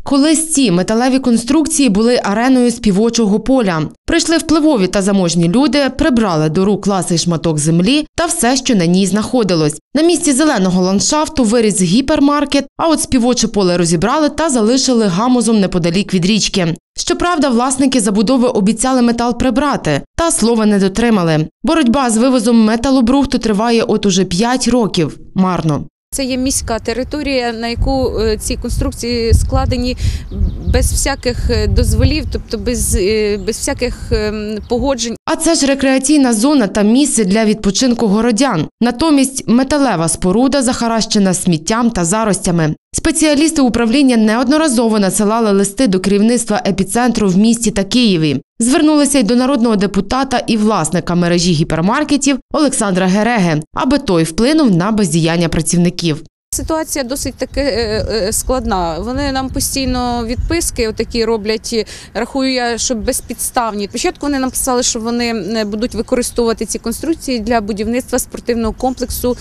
Колись ці металеві конструкції були ареною співочого поля. Прийшли впливові та заможні люди, прибрали до рук ласий шматок землі та все, що на ній знаходилось. На місці зеленого ландшафту виріс гіпермаркет, а от співоче поле розібрали та залишили гамузом неподалік від річки. Щоправда, власники забудови обіцяли метал прибрати, та слова не дотримали. Боротьба з вивозом металобрухту триває от уже 5 років. Марно. Це є міська територія, на яку ці конструкції складені без всяких дозволів, тобто без всяких погоджень. А це ж рекреаційна зона та місце для відпочинку городян. Натомість металева споруда захаращена сміттям та заростями. Спеціалісти управління неодноразово надсилали листи до керівництва епіцентру в місті та Києві. Звернулися й до народного депутата і власника мережі гіпермаркетів Олександра Гереги, аби той вплинув на бездіяння працівників. Ситуація досить таки складна. Вони нам постійно відписки отакі роблять, рахую я, що безпідставні. Спочатку вони написали, що вони будуть використовувати ці конструкції для будівництва спортивного комплексу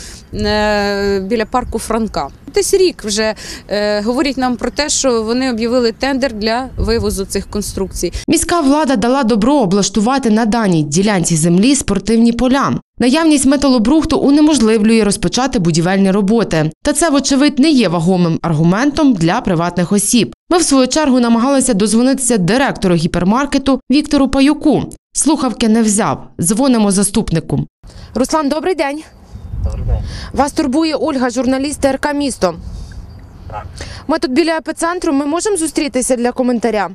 біля парку Франка. Десь рік вже говорять нам про те, що вони об'явили тендер для вивозу цих конструкцій. Міська влада дала добро облаштувати на даній ділянці землі спортивні поля. Наявність металобрухту унеможливлює розпочати будівельні роботи. Та це, вочевидь, не є вагомим аргументом для приватних осіб. Ми, в свою чергу, намагалися дозвонитися директору гіпермаркету Віктору Паюку. Слухавки не взяв. Дзвонимо заступнику. Руслан, добрий день. Добрий день. Вас турбує Ольга, журналіст ТРК «Місто». Так. Ми тут біля епіцентру. Ми можемо зустрітися для коментаря?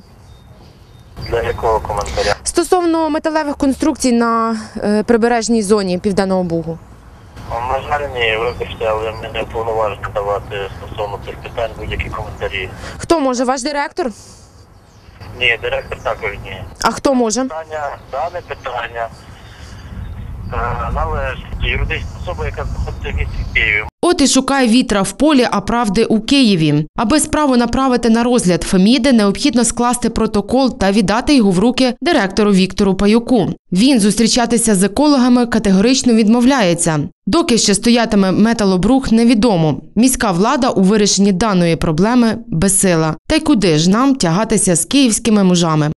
Для якого коментаря? Стосовно металевих конструкцій на прибережній зоні Південного Бугу. На жаль, ні, вибачте, але ми не повноважені давати стосовно цих питань будь-які коментарі. Хто може? Ваш директор? Ні, директор також ні. А хто може? Дане питання належить юридична особа, яка знаходиться в місті Києві. От і шукає вітра в полі, а правди у Києві. Аби справу направити на розгляд Феміди, необхідно скласти протокол та віддати його в руки директору Віктору Паюку. Він зустрічатися з екологами категорично відмовляється. Доки ще стоятиме металобрухт, невідомо. Міська влада у вирішенні даної проблеми безсила. Та й куди ж нам тягатися з київськими мужами?